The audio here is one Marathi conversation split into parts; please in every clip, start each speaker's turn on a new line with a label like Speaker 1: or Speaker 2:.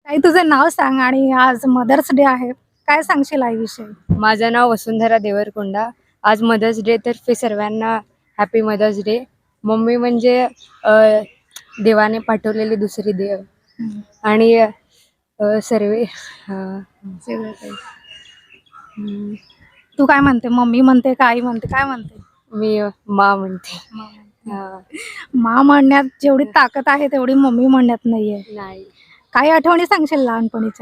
Speaker 1: आई तुझं नाव सांग आणि आज मदर्स डे आहे, काय सांगशील आईविषयी?
Speaker 2: माझं नाव वसुंधरा देवरकोंडा. आज मदर्स डे तर्फे सर्वांना हॅपी मदर्स डे. मम्मी म्हणजे देवाने पाठवलेली दुसरी देव आणि सर्वे
Speaker 1: सगळं काही. तू काय म्हणते? मम्मी म्हणते का आई म्हणते? काय म्हणते?
Speaker 2: मी मा म्हणते.
Speaker 1: मा म्हणण्यात जेवढी ताकद आहे तेवढी मम्मी म्हणण्यात नाहीये.
Speaker 2: नाही,
Speaker 1: काही आठवणी सांगशील लहानपणीच्या?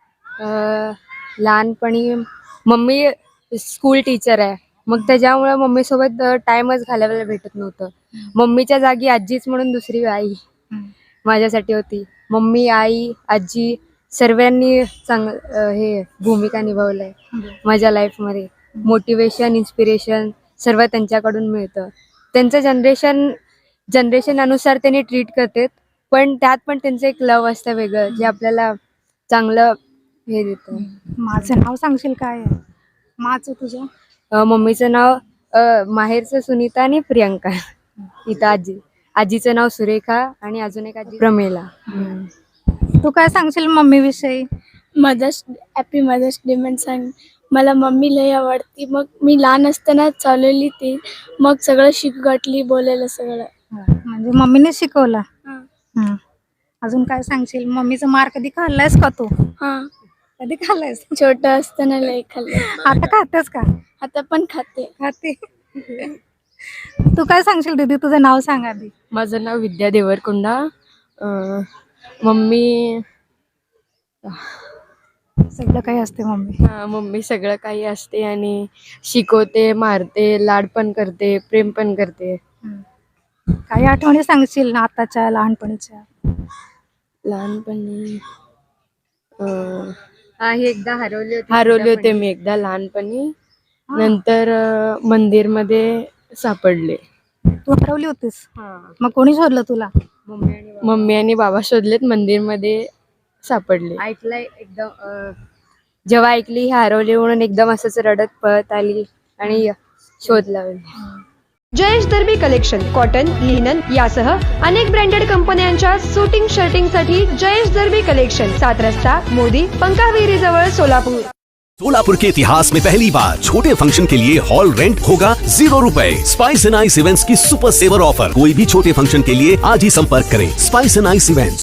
Speaker 2: लहानपणी मम्मी स्कूल टीचर आहे, मग त्याच्यामुळे मम्मीसोबत टाइमच घालवायला भेटत नव्हतं. मम्मीच्या जागी आजीच म्हणून दुसरी आई माझ्यासाठी होती. मम्मी, आई, आजी सर्वांनी हे भूमिका निभावलंय माझ्या लाईफमध्ये. मोटिवेशन, इन्स्पिरेशन सर्व त्यांच्याकडून मिळतं. त्यांचं जनरेशन अनुसार त्यांनी ट्रीट करतात, पण त्यात पण त्यांचं एक लव असतं वेगळं जे आपल्याला चांगलं हे देतं.
Speaker 1: माझं नाव सांगशील काय आहे माचं तुझ्या?
Speaker 2: मम्मीचं नाव माहेरचं सुनीता आणि प्रियंका. इथं आजीचं नाव सुरेखा आणि अजून एक आजी प्रमेला.
Speaker 1: तू काय सांगशील मम्मी विषयी?
Speaker 3: हॅपी मदर्स डे म्हणून सांग. मला मम्मी लय आवडती. मग मी लहान असताना चालवली ती, मग सगळं शिकवली, बोलायला सगळं.
Speaker 1: म्हणजे मम्मीने शिकवलं. अजून काय सांगशील? मम्मीचं मार कधी खाल्लायस का तू?
Speaker 3: हा,
Speaker 1: कधी खाल्लायस?
Speaker 3: छोटं असताना लय खाल्लं.
Speaker 1: आता खातेस का?
Speaker 3: आता पण खाते.
Speaker 1: खाते. तू काय सांगशील दीदी? तुझं नाव सांग आधी.
Speaker 2: माझं नाव विद्या देवरकोंडा. मम्मी
Speaker 1: सगळं काही असते मम्मी.
Speaker 2: मम्मी सगळं काही असते आणि शिकवते, मारते, लाड पण करते, प्रेम पण करते.
Speaker 1: काही आठवणी सांगशील ना आताच्या लहानपणीच्या?
Speaker 2: लहानपणी एकदा हरवले होते मी एकदा लहानपणी. नंतर मंदिरमध्ये सापडले.
Speaker 1: तू हरवली होतीस? मग कोणी शोधलं तुला?
Speaker 2: मम्मी आणि बाबा शोधलेत, मंदिरमध्ये सापडले. ऐकलंय एकदम. जेव्हा ऐकली ही हरवली म्हणून एकदम असंच रडत पळत आली आणि शोध लावली.
Speaker 4: Jayesh Darbi collection cotton, linen यासह अनेक ब्रँडेड कंपन्यांच्या सुटिंग शर्टिंगसाठी जयेश दर्बी कलेक्शन, 7 रस्ता मोदी, पंकाविरी जवळ, सोलापुर.
Speaker 5: सोलापुर के इतिहास में पहली बार छोटे फंक्शन के लिए हॉल रेंट होगा 0 रुपए। स्पाइस एंड आइस इवेंट्स की सुपर सेवर ऑफर। कोई भी छोटे फंक्शन के लिए आज ही संपर्क करें। Spice and ice events.